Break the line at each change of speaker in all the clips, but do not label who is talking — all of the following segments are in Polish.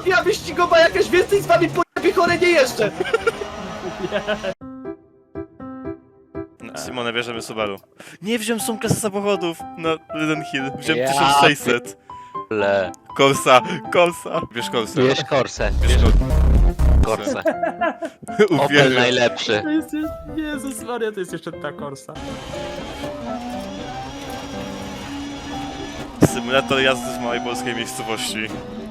mafia wyścigowa jakaś, więcej z wami pojebie chore nie jeżdżę!
Simone, bierzemy Subaru. Nie wziąłem są klasy samochodów na Eden Hill. Wziąłem
Ja
1600.
Le.
Corsa. Bierz Corsę.
Bierz Corsę.
Bierz
Corsę. Opel
Uwierzę.
najlepszy.
To jest... Jezus Maria, to jest jeszcze ta Corsa.
Symulator jazdy w małej polskiej miejscowości.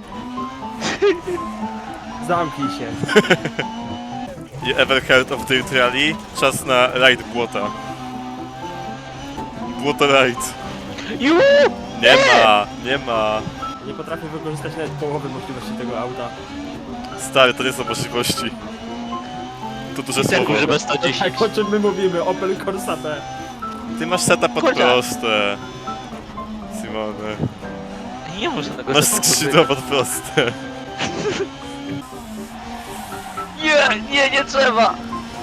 Zamknij się.
You ever heard of Dirt Rally? Czas na rajd błota. Błoto rajd. Nie ma.
Nie potrafię wykorzystać nawet połowy możliwości tego auta.
Stary, to nie są możliwości. To duże słowo.
Żeby 110.
Tak, o czym my mówimy? Opel Corsa B.
Ty masz seta pod
Konia.
proste. Simone.
Nie może tego
Masz skrzydła pod proste.
Nie trzeba!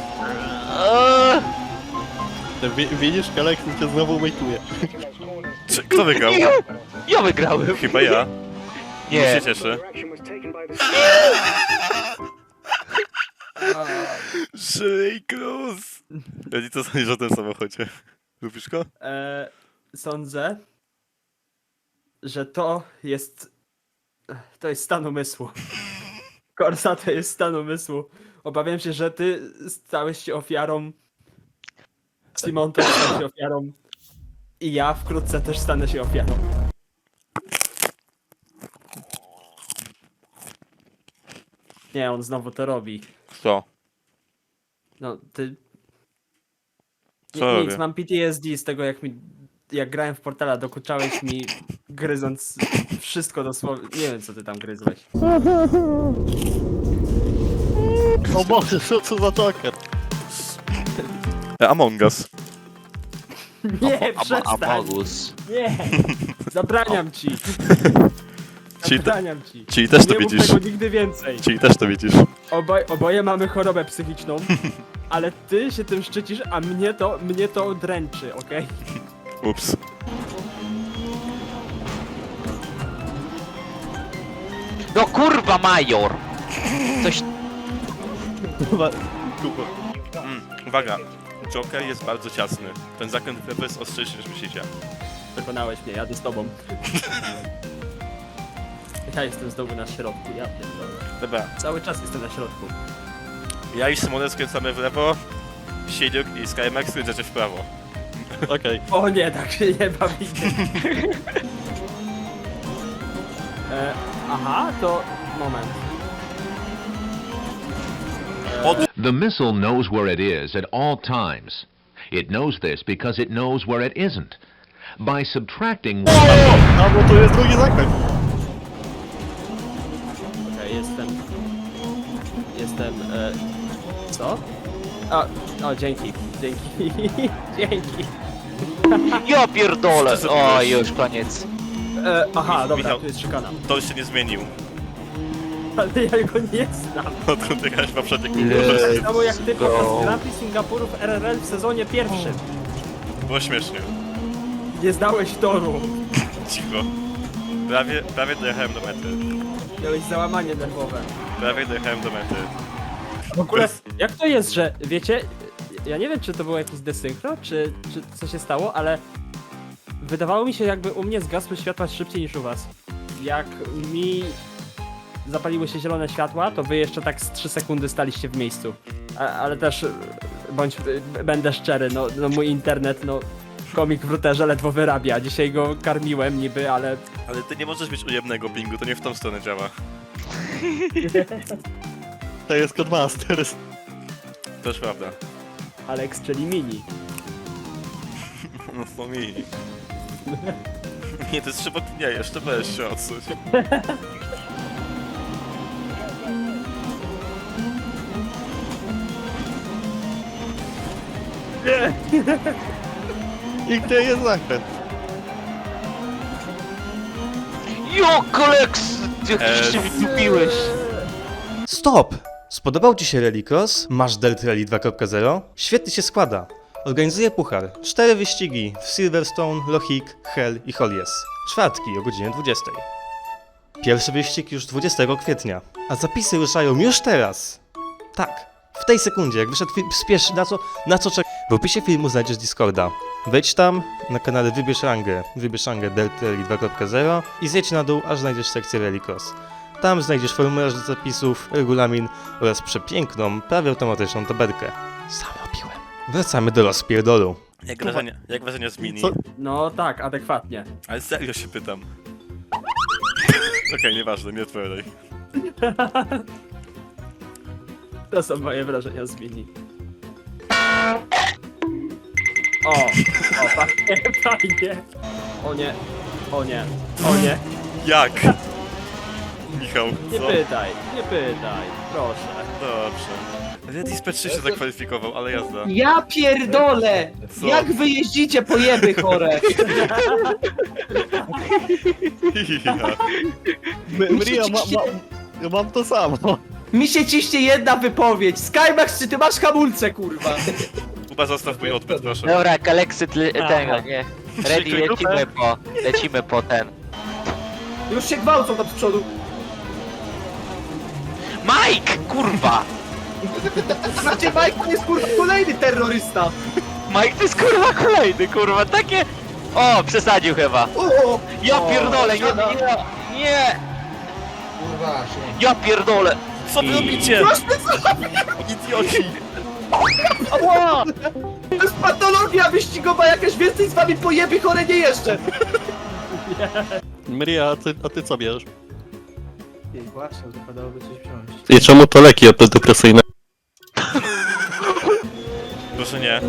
Widzisz, Kaleksin cię znowu mejtuje.
Kto wygrał?
Ja wygrałem.
Chyba ja.
Nie.
się cieszę. Shelley Cruz! Eli, co sądzisz o tym samochodzie? Lubisz go?
Sądzę, że to jest stan umysłu. Corsa to jest stan umysłu. Obawiam się, że ty stałeś się ofiarą. Simon też stał się ofiarą. I ja wkrótce też stanę się ofiarą. Nie, on znowu to robi.
Co?
No, ty...
Co
Nic,
robię?
mam PTSD z tego, jak grałem w Portala, dokuczałeś mi, gryząc wszystko dosłownie. Nie wiem, co ty tam gryzłeś.
O Boże, co za Joker?
Among Us.
Nie, przestań!
Amogus.
Nie! Zabraniam ci!
Czyli,
Zabraniam ci!
czyli też to
Nie mów
widzisz.
tego nigdy więcej!
Czyli też to widzisz.
Oboje mamy chorobę psychiczną, ale ty się tym szczycisz, a mnie to dręczy, okej?
Ups.
No kurwa, major! Coś...
Kuba.
Uwaga. Joker jest bardzo ciasny. Ten zakręt w lewo jest ostrzejszy niż myślicie.
Przekonałeś mnie, jadę z tobą. Ja jestem znowu na środku, ja pierdolę.
Dobra.
Cały czas jestem na środku.
Ja i Simone skręcamy w lewo. Siedziuk i Skymax skręcacie w prawo.
Okej.
O nie, tak się nie bawimy. Aha, to... moment.
The missile knows where it is at all times. It knows this because it knows where it isn't. By subtracting
A bo to jest drugi zakręt.
Okej, jestem, co? O, dzięki, dzięki.
Ja pierdolę!
Co ty
O,
zrobiłeś?
już koniec.
Aha, dobra,
Michał.
tu jest szykana.
To już się nie zmienił.
Ale ja go nie znam.
Odkąd jechałeś w poprzedniej
Let's
kulturze.
Tak samo jak ty podczas
go.
Grand Prix Singapuru w RRL w sezonie pierwszym.
Było śmiesznie.
Nie znałeś toru.
Cicho. Prawie dojechałem do mety.
Miałeś załamanie nerwowe.
Prawie dojechałem do mety.
W ogóle, jak to jest, że, wiecie, ja nie wiem, czy to było jakieś desynchro, czy co się stało, ale wydawało mi się, jakby u mnie zgasły światła szybciej niż u was. Jak mi zapaliły się zielone światła, to wy jeszcze tak z 3 sekundy staliście w miejscu. Ale też, będę szczery, no mój internet, komik w routerze ledwo wyrabia. Dzisiaj go karmiłem niby, ale...
Ale ty nie możesz mieć ujemnego pingu, to nie w tą stronę działa.
To jest Codemasters.
To już prawda.
Alex, czyli mini.
No to mi. Nie, to jest trzeba... Nie, jeszcze weź się odsuć.
I gdzie jest zakręt?
Jo, koleks! Jak się wydupiłeś.
Stop! Spodobał Ci się Rallycross? Masz Dirt Rally 2.0? Świetnie się składa. Organizuję puchar. 4 wyścigi w Silverstone, Lochik, Hell i Hollies. Czwartki o godzinie 20. Pierwszy wyścig już 20 kwietnia, a zapisy ruszają już teraz. Tak, w tej sekundzie, jak wyszedł film, spiesz, na co czekasz. W opisie filmu znajdziesz Discorda. Wejdź tam, na kanale wybierz rangę Delta Rally 2.0 i zjedź na dół, aż znajdziesz sekcję Rally Cross. Tam znajdziesz formularz do zapisów, regulamin oraz przepiękną, prawie automatyczną tabelkę. Sam robiłem. Wracamy do rozpierdolu.
Jak wrażenie z mini?
Co?
No tak, adekwatnie.
Ale serio się pytam. Okej, nieważne, nie odpowiadaj.
To są moje wrażenia z mini. O, fajnie, fajnie. O nie, o nie, o nie.
Jak? Michał,
Nie
co?
pytaj, nie pytaj, proszę.
Dobrze. Redis P3 się zakwalifikował, ale jazda.
Ja pierdolę!
Co?
Jak wy jeździcie pojeby chore?
Ja.
Mria, ja mam to samo.
Mi się ciśnie jedna wypowiedź. Skymax, czy ty masz hamulce, kurwa?
Kuba, zostaw mój odbyt, proszę.
Dobra, Kalexy tego, nie. Ready,
Krzykuj dupę.
lecimy po ten.
Już się gwałcą tam z przodu.
Mike! Kurwa!
Znaczy, Mike jest kurwa kolejny terrorysta.
Mike to jest kurwa kolejny, kurwa, takie... O, przesadził chyba.
O!
Ja pierdolę, nie, nie! Ja pierdolę!
Co wy robicie?
Proszę, co?
Idioci!
Ała! To jest patologia wyścigowa jakaś, więcej z wami pojeby chore nie jeszcze.
Mria, a ty co bierzesz?
Właśnie, wypadałoby coś wziąć.
I czemu to leki antydepresyjne?
Proszę nie.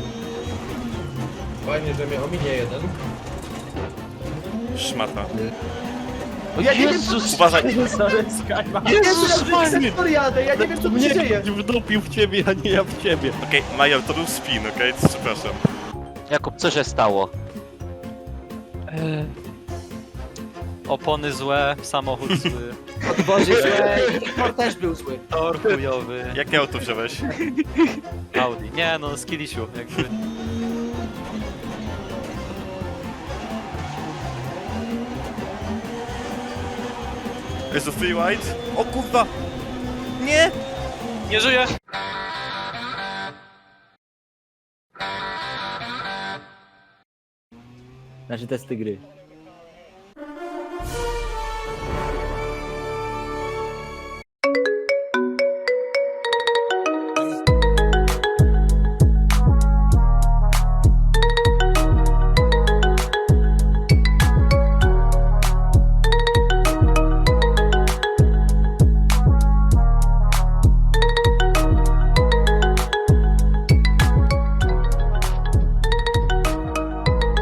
Fajnie, że mnie ominie jeden.
Szmata.
Ja nie wiem,
Jezus!
Uważaj!
Sorry, Skyma.
jadę, ja nie wiem co tu się dzieje.
Wdupił w ciebie, a nie ja w ciebie.
Okej, Major, to był spin, okej? Przepraszam.
Jakub, co się stało?
Opony złe, samochód zły,
Boże, że Igor też był zły.
tor chujowy,
Jakie auto wziąłeś?
Audi. Nie no, skillisiu, jakby.
Jest to free white? O kurwa! Nie!
Nie żyję!
Znaczy testy gry.